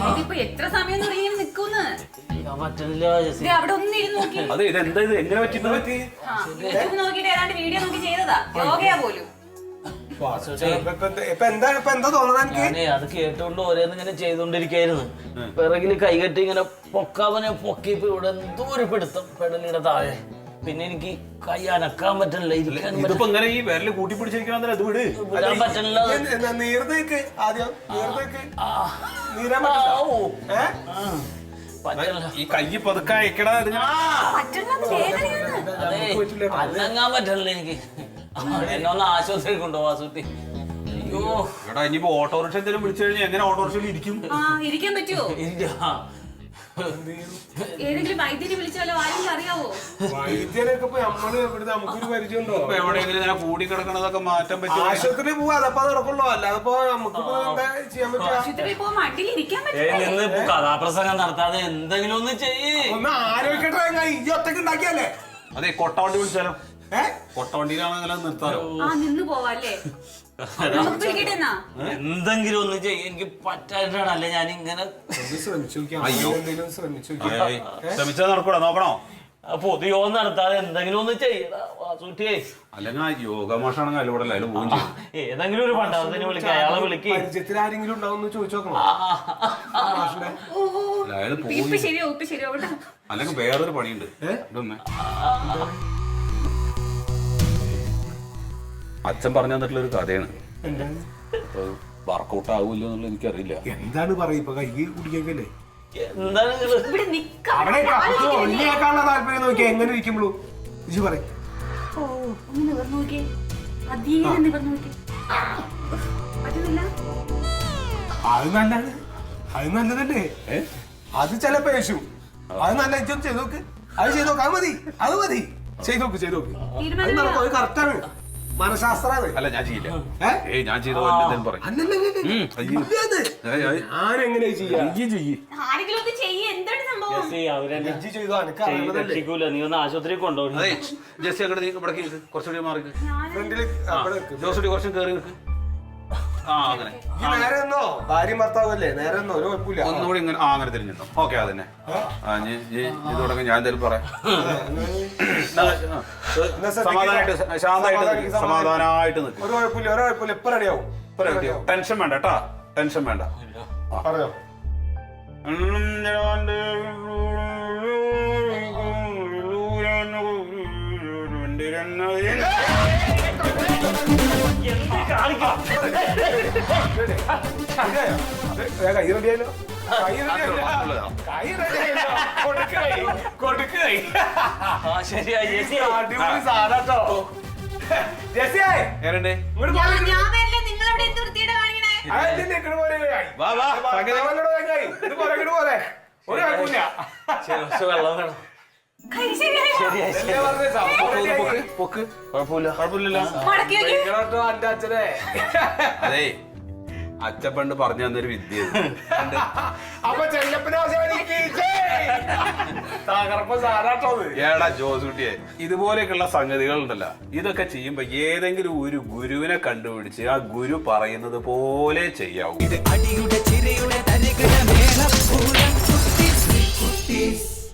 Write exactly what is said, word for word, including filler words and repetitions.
ഇതിപ്പോ എത്ര സമയം നിക്കൂന്ന് പറ്റില്ല. അവിടെ ഒന്നിരുന്ന് നോക്കി അതെ ഇതെന്താ ഇത് എങ്ങനെ പറ്റി നോക്കിട്ട് ഏതാണ്ട് വീഡിയോ നോക്കി ചെയ്തതാ യോഗയാ പോലും. അത് കേട്ടോണ്ട് ഓരോന്ന് ഇങ്ങനെ ചെയ്തോണ്ടിരിക്കായിരുന്നു. പിറകില് കൈകെട്ടി ഇങ്ങനെ പൊക്കാവനെ പൊക്കിയപ്പോ ഇവിടെ എന്തോ ഒരു പിടുത്തം പെടലിയുടെ താഴെ. പിന്നെ എനിക്ക് കൈ അനക്കാൻ പറ്റില്ല, ഇരിക്കാൻ ഇങ്ങനെ ഈ വിരല് കൂട്ടി പിടിച്ചിരിക്കണ അത് വിട് പറ്റില്ല. ഈ കൈ പതുക്കെ അയക്കടാ. അനങ്ങാൻ പറ്റില്ല എനിക്ക്. എന്നെ ഒന്ന് ആശുപത്രി കൊണ്ടുപോവാ സുട്ടി. അയ്യോ എടാ ഇനിയിപ്പോ ഓട്ടോറിക്ഷ എന്തെങ്കിലും വിളിച്ചു കഴിഞ്ഞാൽ എങ്ങനെ ഓട്ടോറിക്ഷയിൽ ഇരിക്കും? ഇരിക്കാൻ പറ്റുമോ? ഏതെങ്കിലും വൈദ്യനെ വിളിച്ചാലോ? ആരെങ്കിലും അറിയാവോ? വൈദ്യനൊക്കെ നമുക്കൊരു പരിചയമുണ്ടോ? എവിടെയെങ്കിലും ഇങ്ങനെ കൂടി കിടക്കണതൊക്കെ മാറ്റാൻ പറ്റും. ആശുപത്രി പോവാ, അതപ്പോ നടക്കുള്ളൂ. അല്ലാതെ നമുക്കിപ്പോ എന്താ ചെയ്യാൻ പറ്റുക? കഥാപ്രസംഗം നടത്താതെ എന്തെങ്കിലും ഒന്ന് ചെയ്യേ. ഒന്ന് ആരോഗ്യട്ടെ. ഈ ഒറ്റക്ക് ഉണ്ടാക്കിയല്ലേ? അതെ കൊട്ടവണ്ടി വിളിച്ചാലോ? ഏഹ് കൊട്ടവണ്ടിയിലാണെങ്കിലും നിർത്താലോ? നിന്ന് പോവാല്ലേ? എന്തെങ്കിലും ഒന്ന് ചെയ്യ. എനിക്ക് പറ്റായിട്ടാണ്. അല്ലെ ഞാൻ ഇങ്ങനെ ശ്രമിച്ചാൽ നടക്കൂടാ. നോക്കണോ? പൊതുയോ നടത്താതെ എന്തെങ്കിലും ഒന്ന് ചെയ്യടാ വാസൂട്ടിയെ. അല്ലെങ്കിൽ യോഗമാഷാണെങ്കിൽ അതിലൂടെ അതിൽ പോവും ചെയ്യും. ഏതെങ്കിലും ഒരു പണ്ടാവതിനെ വിളിക്കുക, അയാളെ വിളിക്കുക. പരിചയത്തിൽ ആരെങ്കിലും ഉണ്ടാവും ചോദിച്ചു നോക്കണം. അല്ലെങ്കിൽ വേറൊരു പണിയുണ്ട്. അച്ഛൻ പറഞ്ഞു തന്നിട്ടുള്ള ഒരു കഥയാണ്. വർക്കൗട്ട് ആവൂല്ലോ എന്നുള്ളത് എനിക്കറിയില്ല. എന്താണ് പറയുക? കൈ കുടിക്കല്ലേ? എന്താണ് താല്പര്യം നോക്കിയാ എങ്ങനെ ഇരിക്കുമ്പോഴൂ പറയും. അത് നല്ലതാണ്, അത് നല്ലതല്ലേ? അത് ചിലപ്പോ യേശു അത് നല്ല ഇജ്ജം ചെയ്ത് നോക്ക്. അത് ചെയ്ത് നോക്ക്. അത് മതി, അത് മതി. ചെയ്ത് നോക്ക്, ചെയ്ത് നോക്ക്. അത് നടക്കും. അത് കറക്റ്റാണ്. മനഃശാസ്ത്രാണ്. അല്ല ഞാൻ ചെയ്യില്ല. ഏയ് ഞാൻ ചെയ്ത പറയും. ഞാനെങ്ങനെ ചെയ്യാം? നീ ഒന്ന് ആശുപത്രി കൊണ്ടുപോകും. ജെസ്സി അങ്ങോട്ട് ഇവിടെ കുറച്ചുകൂടി മാറി ജോസുടി കുറച്ചും കയറി നിൽക്ക്. ആ അങ്ങനെ നേരെ ഒന്നോ ഭാര്യയും ഭർത്താവല്ലേ? നേരെ ഒന്നോ ഒരു കുഴപ്പമില്ല. ഒന്നുകൂടി ഇങ്ങനെ ആ അങ്ങനെ തിരിഞ്ഞോ. ഓക്കെ അതന്നെ. ഇത് തുടങ്ങി ഞാൻ എന്തായാലും പറയാം. സമാധാനമായിട്ട് ശാന്തമായിട്ട് സമാധാനമായിട്ട് നിൽക്കും. ഒരു കുഴപ്പമില്ല, ഒരു കുഴപ്പമില്ല. ഇപ്പൊ റെഡിയാവും. ഇപ്പൊ റെഡിയാവും. ടെൻഷൻ വേണ്ട കേട്ടാ, ടെൻഷൻ വേണ്ട. പറഞ്ഞോ. കൈ റെഡിയായല്ലോ. കൈ റെഡിയായല്ലോ. കൈ റെഡിയായല്ലോ. അടിപൊളി സാധാട്ടോ. ജെസ്സിയായി എങ്ങനെയുണ്ട്? വെള്ളം വേണം. അതെ അച്ഛൻ പണ്ട് പറഞ്ഞു തന്നൊരു വിദ്യ. ഏടാ ജോസൂട്ടിയെ, ഇതുപോലെയൊക്കെയുള്ള സംഗതികൾ ഉണ്ടല്ലോ, ഇതൊക്കെ ചെയ്യുമ്പോ ഏതെങ്കിലും ഒരു ഗുരുവിനെ കണ്ടുപിടിച്ച് ആ ഗുരു പറയുന്നത് പോലെ ചെയ്യാവൂ.